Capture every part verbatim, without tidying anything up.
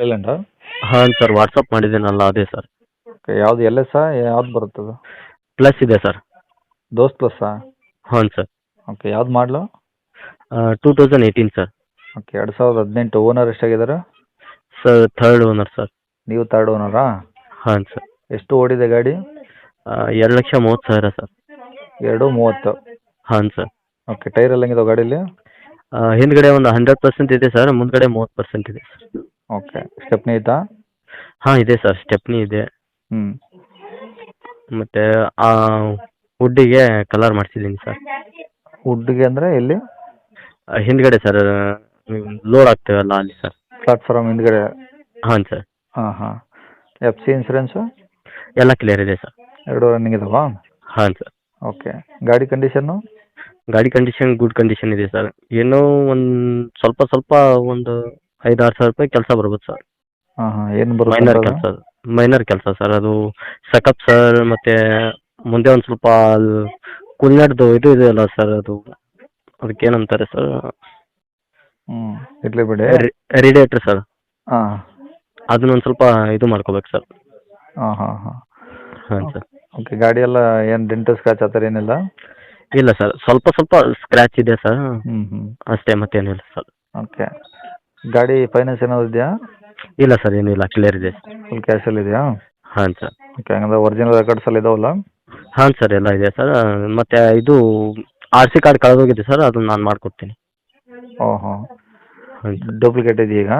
ಲೈಲ್ಯಾಂಡಾ? ಹಾಂ sir, WhatsApp ಮಾಡಿದ್ದೀನಲ್ಲ ಅದೇ ಸರ್. ಓಕೆ, ಯಾವ್ದು ಎಲ್ ಎಸ್ಸಾ ಯಾವ್ದು ಬರುತ್ತದು? ಪ್ಲಸ್ ಇದೆ ಸರ್. ದೋಸ್ತ್ ಪ್ಲಸ್ಸಾ? ಹಾಂ ಸರ್. ಓಕೆ, ಯಾವ್ದು ಮಾಡಲು? Two thousand eighteen sir. Okay, ಎರಡು ಸಾವಿರದ ಹದಿನೆಂಟು. ಓನರ್ ಎಷ್ಟಾಗಿದ್ದಾರೆ? Sir third owner sir. ನೀವು ತರ್ಡ್ ಓನರಾ? ಹಾಂ ಸರ್. ಎಷ್ಟು ಓಡಿದೆ ಗಾಡಿ? ಎರಡು ಲಕ್ಷ ಮೂವತ್ತು ಸಾವಿರ ಸರ್. ಎರಡು ಮೂವತ್ತು. ಹಾಂ ಸರ್. ಓಕೆ, ಟೈರ್ ಎಲ್ಲ ಹೆಂಗಿದಾವೆ ಗಾಡೀಲಿ? ಹಿಂದ್ಗಡೆ ಒಂದು ಹಂಡ್ರೆಡ್ ಪರ್ಸೆಂಟ್ ಇದೆ ಸರ್, ಮುಂದ್ಗಡೆ ಮೂವತ್ತು ಪರ್ಸೆಂಟ್ ಇದೆ ಸರ್. ಓಕೆ, ಸ್ಟೆಪ್ನಿ ಐತಾ? ಹಾಂ ಇದೆ ಸರ್, ಸ್ಟೆಪ್ನಿ ಇದೆ. ಹ್ಞೂ. ಮತ್ತು ವುಡ್ಡಿಗೆ ಕಲರ್ ಮಾಡಿಸಿದ್ದೀನಿ ಸರ್. ವುಡ್ಗೆ ಅಂದರೆ ಎಲ್ಲಿ? ಆ, ಹಿಂದ್ಗಡೆ ಸರ್, ಲೋಡ್ ಆಗ್ತೇವಲ್ಲ ಅಲ್ಲಿ ಸರ್. ಪ್ಲಾಟ್ಫಾರ್ಮ್ ಹಿಂದ್ಗಡೆ? ಹಾಂ ಸರ್. ಹಾಂ ಹಾಂ. F C insurance? ಎಲ್ಲ ಕ್ಲಿಯರ್ ಇದೆ ಸರ್. ಎರಡು ರನ್ನಿಂಗ್ ಇದಾವಾ? ಹಾಂ ಸರ್. ಓಕೆ, ಗಾಡಿ ಕಂಡೀಷನ್ನು? ಗಾಡಿ ಕಂಡೀಷನ್ ಗುಡ್ ಕಂಡೀಷನ್ ಇದೆ ಸರ್. ಏನೋ ಒಂದು ಸ್ವಲ್ಪ ಸ್ವಲ್ಪ ಒಂದು ಐದು ಆರು ಸಾವಿರ ರೂಪಾಯಿ ಕೆಲಸ ಬರ್ಬೋದು ಸರ್. ಹಾಂ ಹಾಂ. ಏನು ಮೈನರ್ ಬರುತ್ತೆ ಕೆಲಸ, ಮೈನರ್ ಕೆಲಸ ಸರ್. ಅದು ಸಕಪ್ ಸರ್, ಮತ್ತು ಮುಂದೆ ಒಂದು ಸ್ವಲ್ಪ ಕುಲ್ನಾಡ್ದು ಇದು ಇದೆಯಲ್ಲ ಸರ್, ಅದು ಅದಕ್ಕೆ ಏನಂತಾರೆ ಸರ್, ಹ್ಞೂ, ಇರಲಿ ಬಿಡಿ. ರೇಡಿಯೇಟ್ರ್ ಸರ್, ಹಾಂ ಅದನ್ನೊಂದು ಸ್ವಲ್ಪ ಇದು ಮಾಡ್ಕೋಬೇಕು ಸರ್. ಹಾಂ ಹಾಂ ಹಾಂ. ಹಾಂ ಸರ್. ಓಕೆ, ಗಾಡಿ ಎಲ್ಲ ಏನು ಡೆಂಟು ಸ್ಕ್ರಾಚ್ ಆ ಥರ ಏನಿಲ್ಲ? ಇಲ್ಲ ಸರ್, ಸ್ವಲ್ಪ ಸ್ವಲ್ಪ ಸ್ಕ್ರ್ಯಾಚ್ ಇದೆ ಸರ್, ಹ್ಞೂ ಹ್ಞೂ. ಅಷ್ಟೇ, ಮತ್ತೇನಿಲ್ಲ ಸರ್. ಓಕೆ, ಗಾಡಿ ಫೈನಾನ್ಸ್ ಏನಾದ್ರು ಇದೆಯಾ? ಇಲ್ಲ ಸರ್, ಏನಿಲ್ಲ, ಕ್ಲಿಯರ್ ಇದೆ. ಫುಲ್ ಕ್ಯಾಶಲ್ಲಿ ಇದೆಯಾ? ಹಾಂ ಸರ್. ಓಕೆ, ಹಂಗಂದ್ರೆ ಒರಿಜಿನಲ್ ರೆಕಾರ್ಡ್ಸ್ ಎಲ್ಲ ಇದಾವಲ್ಲ? ಹಾಂ ಸರ್, ಎಲ್ಲ ಇದೆ ಸರ್. ಮತ್ತು ಇದು ಆರ್ ಸಿ ಕಾರ್ಡ್ ಕಳೆದೋಗಿದೆ ಸರ್, ಅದನ್ನು ನಾನು ಮಾಡಿಕೊಡ್ತೀನಿ. ಓಹೋ, ಹಾಂ ಸರ್. ಡೂಪ್ಲಿಕೇಟ್ ಇದೆಯಾ?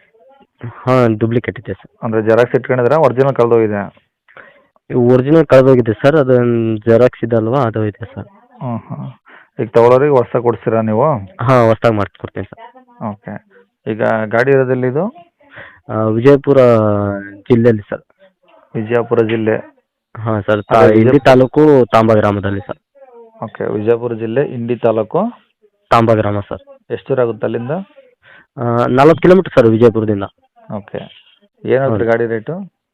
ಹಾಂ, ಡೂಪ್ಲಿಕೇಟ್ ಇದೆ ಸರ್. ಅಂದರೆ ಜೆರಾಕ್ಸ್ ಇಟ್ಕೊಂಡಿದ್ರೆ ಒರಿಜಿನಲ್ ಕಳೆದೋಗಿದೆ? ಒರಿಜಿನಲ್ ಕಳೆದೋಗಿದೆ ಸರ್, ಅದೊಂದು ಜೆರಾಕ್ಸ್ ಇದೆ ಅಲ್ವಾ, ಅದು ಇದೆ ಸರ್. ಹಾಂ ಹಾಂ. ಈಗ ತಗೊಳ್ಳೋರಿಗೆ ಹೊಸ್ದಾಗಿ ಕೊಡಿಸ್ತೀರಾ ನೀವು? ಹಾಂ, ಹೊಸ್ದಾಗಿ ಮಾಡಿಸ್ಕೊಡ್ತೀನಿ ಸರ್. ಓಕೆ, ಈಗ ಗಾಡಿ ಇರೋದಿಲ್ಲ ಇದು? ಆ, ವಿಜಯಪುರ ಜಿಲ್ಲೆಯಲ್ಲಿ ಸರ್. ವಿಜಯಪುರ ಜಿಲ್ಲೆ? ಹಾಂ ಸರ್, ಅದೇ ವಿಜಯ- ಇಂಡಿ ತಾಲೂಕು ತಾಂಬಾ ಗ್ರಾಮದಲ್ಲಿ ಸರ್. ಓಕೆ, ವಿಜಯಪುರ ಜಿಲ್ಲೆ, ಇಂಡಿ ತಾಲೂಕು, ತಾಂಬಾ ಗ್ರಾಮ ಸರ್. ಎಷ್ಟು ದೂರ ಆಗುತ್ತೆ ಅಲ್ಲಿಂದ? ನಲ್ವತ್ತು ಕಿಲೋಮೀಟ್ರ್ ಸರ್ ವಿಜಯಪುರದಿಂದ. ಓಕೆ, ಏನಾಗುತ್ತೆ ಗಾಡಿ ರೇಟು?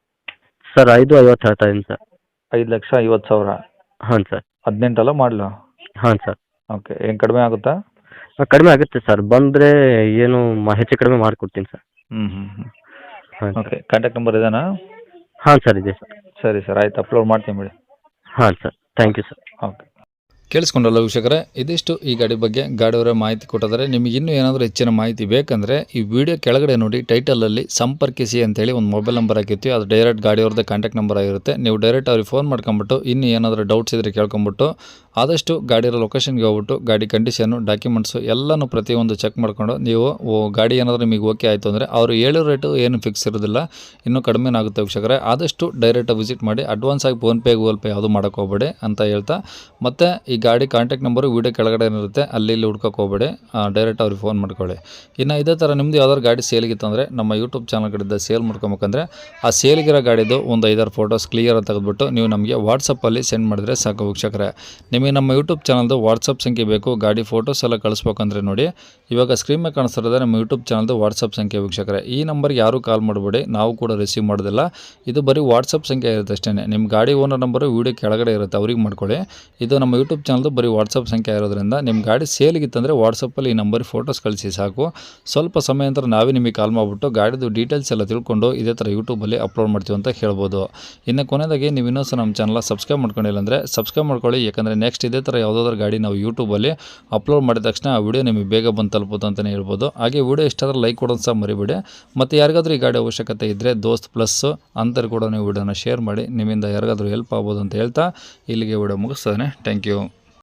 ಸರ್ ಐದು ಐವತ್ತು ಹೇಳ್ತಾ ಇದ್ದೀನಿ ಸರ್. ಐದು ಲಕ್ಷ ಐವತ್ತು ಸಾವಿರ? ಹಾಂ ಸರ್. ಹದಿನೆಂಟಲ್ಲ ಮಾಡಲು? ಹಾಂ ಸರ್. ಓಕೆ, ಏನು ಕಡಿಮೆ ಆಗುತ್ತಾ? ಕಡಿಮೆ ಆಗುತ್ತೆ ಸರ್, ಬಂದರೆ ಏನು ಮ- ಹೆಚ್ಚು ಕಡಿಮೆ ಮಾಡಿಕೊಡ್ತೀನಿ ಸರ್. ಹ್ಞೂ ಹ್ಞೂ ಹ್ಞೂ. ಹಾಂ ಸರ್. ಓಕೆ, ಕಾಂಟ್ಯಾಕ್ಟ್ ನಂಬರ್ ಇದೇನಾ? ಹಾಂ ಸರ್, ಇದೆ ಸರ್. ಸರಿ ಸರ್, ಆಯ್ತು, ಅಪ್ಲೋಡ್ ಮಾಡ್ತೀನಿ ಬಿಡಿ. ಹಾಂ sir, thank you sir. Okay. ಕೇಳಿಸ್ಕೊಂಡಲ್ಲ ವೀಕ್ಷಕರೇ, ಇದಿಷ್ಟು ಈ ಗಾಡಿ ಬಗ್ಗೆ ಗಾಡಿಯವರ ಮಾಹಿತಿ ಕೊಟ್ಟಿದ್ದಾರೆ. ನಿಮಗೆ ಇನ್ನೂ ಏನಾದರೂ ಹೆಚ್ಚಿನ ಮಾಹಿತಿ ಬೇಕಂದರೆ ಈ ವಿಡಿಯೋ ಕೆಳಗಡೆ ನೋಡಿ ಟೈಟಲಲ್ಲಿ ಸಂಪರ್ಕಿಸಿ ಅಂತೇಳಿ ಒಂದು ಮೊಬೈಲ್ ನಂಬರ್ ಹಾಕಿರ್ತೀವಿ, ಅದು ಡೈರೆಕ್ಟ್ ಗಾಡಿಯವ್ರದ್ದೇ ಕಾಂಟ್ಯಾಕ್ಟ್ ನಂಬರ್ ಆಗಿರುತ್ತೆ. ನೀವು ಡೈರೆಕ್ಟ್ ಅವ್ರಿಗೆ ಫೋನ್ ಮಾಡ್ಕೊಂಬಿಟ್ಟು ಇನ್ನೂ ಏನಾದರೂ ಡೌಟ್ಸ್ ಇದ್ದರೆ ಕೇಳ್ಕೊಂಬಿಟ್ಟು ಆದಷ್ಟು ಗಾಡಿಯ ಲೊಕೇಶನ್ಗೆ ಹೋಗ್ಬಿಟ್ಟು ಗಾಡಿ ಕಂಡೀಷನ್ನು, ಡಾಕ್ಯುಮೆಂಟ್ಸು ಎಲ್ಲನೂ ಪ್ರತಿಯೊಂದು ಚೆಕ್ ಮಾಡ್ಕೊಂಡು ನೀವು ಓ ಗಾಡಿ ಏನಾದರೂ ನಿಮಗೆ ಓಕೆ ಆಯಿತು ಅಂದರೆ ಅವರು ಹೇಳೋ ರೇಟು ಏನು ಫಿಕ್ಸ್ ಇರೋದಿಲ್ಲ, ಇನ್ನೂ ಕಡಿಮೆನೇ ಆಗುತ್ತೆ ವೀಕ್ಷಕರೇ. ಆದಷ್ಟು ಡೈರೆಕ್ಟಾಗಿ ವಿಸಿಟ್ ಮಾಡಿ, ಅಡ್ವಾನ್ಸ್ ಆಗಿ ಫೋನ್ಪೇ ಗೂಗಲ್ ಪೇ ಯಾವುದು ಮಾಡೋಕ್ಕೆ ಹೋಗಬೇಡಿ ಅಂತ ಹೇಳ್ತಾ, ಮತ್ತು ಈ ಗಾಡಿ ಕಾಂಟ್ಯಾಕ್ಟ್ ನಂಬರು ವೀಡಿಯೋ ಕೆಳಗಡೆ ಇರುತ್ತೆ, ಅಲ್ಲಿ ಇಲ್ಲಿ ಹುಡ್ಕೋಕೆ ಹೋಗಬೇಡಿ, ಡೈರೆಕ್ಟ್ ಅವ್ರಿಗೆ ಫೋನ್ ಮಾಡ್ಕೊಳ್ಳಿ. ಇನ್ನು ಇದೇ ಥರ ನಿಮ್ಮದು ಯಾವ್ದಾದ್ರು ಗಾಡಿ ಸೇಲಿಗಿತ್ತಂದರೆ ನಮ್ಮ ಯೂಟ್ಯೂಬ್ ಚಾನಲ್ ಕಡೆಯಿಂದ ಸೇಲ್ ಮಾಡ್ಕೊಬೇಕಂದ್ರೆ ಆ ಸೇಲಿಗಿರೋ ಗಾಡಿದು ಒಂದು ಐದಾರು ಫೋಟೋಸ್ ಕ್ಲಿಯರ್ ತೆಗೆದುಬಿಟ್ಟು ನೀವು ನಮಗೆ ವಾಟ್ಸಪ್ಪಲ್ಲಿ ಸೆಂಡ್ ಮಾಡಿದರೆ ಸಾಕು ವೀಕ್ಷಕರೇ. ನಿಮಗೆ ನಮ್ಮ ಯೂಟ್ಯೂಬ್ ಚಾನಲ್ದು ವಾಟ್ಸಪ್ ಸಂಖ್ಯೆ ಬೇಕು, ಗಾಡಿ ಫೋಟೋಸ್ ಎಲ್ಲ ಕಳಿಸ್ಬೇಕಂದ್ರೆ ನೋಡಿ ಇವಾಗ ಸ್ಕ್ರೀನ್ ಮೇಲೆ ಕಾಣಿಸ್ತಿರೋದೇ ನಮ್ಮ ಯೂಟ್ಯೂಬ್ ಚಾನಲ್ದು ವಾಟ್ಸಪ್ ಸಂಖ್ಯೆ ವೀಕ್ಷಕರೇ. ಈ ನಂಬರ್ಗೆ ಯಾರೂ ಕಾಲ್ ಮಾಡಬೇಡಿ, ನಾವು ಕೂಡ ರಿಸೀವ್ ಮಾಡೋದಿಲ್ಲ, ಇದು ಬರೀ ವಾಟ್ಸಪ್ ಸಂಖ್ಯೆ ಇರುತ್ತೆ ಅಷ್ಟೇ. ನಿಮ್ಮ ಗಾಡಿ ಓನರ್ ನಂಬರು ವೀಡಿಯೋ ಕೆಳಗಡೆ ಇರುತ್ತೆ, ಅವ್ರಿಗೆ ಮಾಡ್ಕೊಳ್ಳಿ. ಇದು ನಮ್ಮ ಯೂಟ್ಯೂಬ್ ಚಾನಲ್ದು ಬರೀ ವಾಟ್ಸಪ್ ಸಂಖ್ಯೆ ಇರೋದ್ರಿಂದ ನಿಮ್ಮ ಗಾಡಿ ಸೇಲಿಗಿತ್ತಂದರೆ ವಾಟ್ಸಪ್ಪಲ್ಲಿ ಈ ನಂಬರ್ ಫೋಟೋಸ್ ಕಳಿಸಿ ಸಾಕು. ಸ್ವಲ್ಪ ಸಮಯ ನಂತರ ನಾವೇ ನಿಮಗೆ ಕಾಲ್ ಮಾಡಿಬಿಟ್ಟು ಗಾಡಿದು ಡೀಟೇಲ್ಸ್ ಎಲ್ಲ ತಿಳ್ಕೊಂಡು ಇದೇ ಥರ ಯೂಟ್ಯೂಬಲ್ಲಿ ಅಪ್ಲೋಡ್ ಮಾಡ್ತೀವಿ ಅಂತ ಹೇಳ್ಬೋದು. ಇನ್ನು ಕೊನೆಯದಾಗಿ ನೀವು ಇನ್ನೂ ಸಹ ನಮ್ಮ ಚಾನಲ್ ಸಬ್ಸ್ಕ್ರೈಬ್ ಮಾಡ್ಕೊಂಡಿಲ್ಲ ಅಂದರೆ ಸಬ್ಸ್ಕ್ರೈಬ್ ಮಾಡ್ಕೊಳ್ಳಿ, ಯಾಕಂದರೆ ನೆಕ್ಸ್ಟ್ ಇದೇ ಥರ ಯಾವುದಾದ್ರೂ ಗಾಡಿ ನಾವು ಯೂಟ್ಯೂಬಲ್ಲಿ ಅಪ್ಲೋಡ್ ಮಾಡಿದ ತಕ್ಷಣ ಆ ವಿಡಿಯೋ ನಿಮಗೆ ಬೇಗ ಬಂದು ತಲುಪುತ್ತೆ ಅಂತಲೇ ಹೇಳ್ಬೋದು. ಹಾಗೆ ವಿಡಿಯೋ ಇಷ್ಟಾದ್ರೆ ಲೈಕ್ ಕೊಡೋದು ಸಹ ಮರಿಬೇಡಿ. ಮತ್ತು ಯಾರಿಗಾದ್ರೂ ಈ ಗಾಡಿ ಅವಶ್ಯಕತೆ ಇದ್ದರೆ ದೋಸ್ತ್ ಪ್ಲಸ್ ಅಂತಾರೆ ಕೂಡ ನೀವು ವಿಡಿಯೋನ ಶೇರ್ ಮಾಡಿ, ನಿಮ್ಮಿಂದ ಯಾರಿಗಾದ್ರೂ ಹೆಲ್ಪ್ ಆಗ್ಬೋದು ಅಂತ ಹೇಳ್ತಾ ಇಲ್ಲಿಗೆ ವಿಡಿಯೋ ಮುಗಿಸ್ತೇನೆ. Thank you.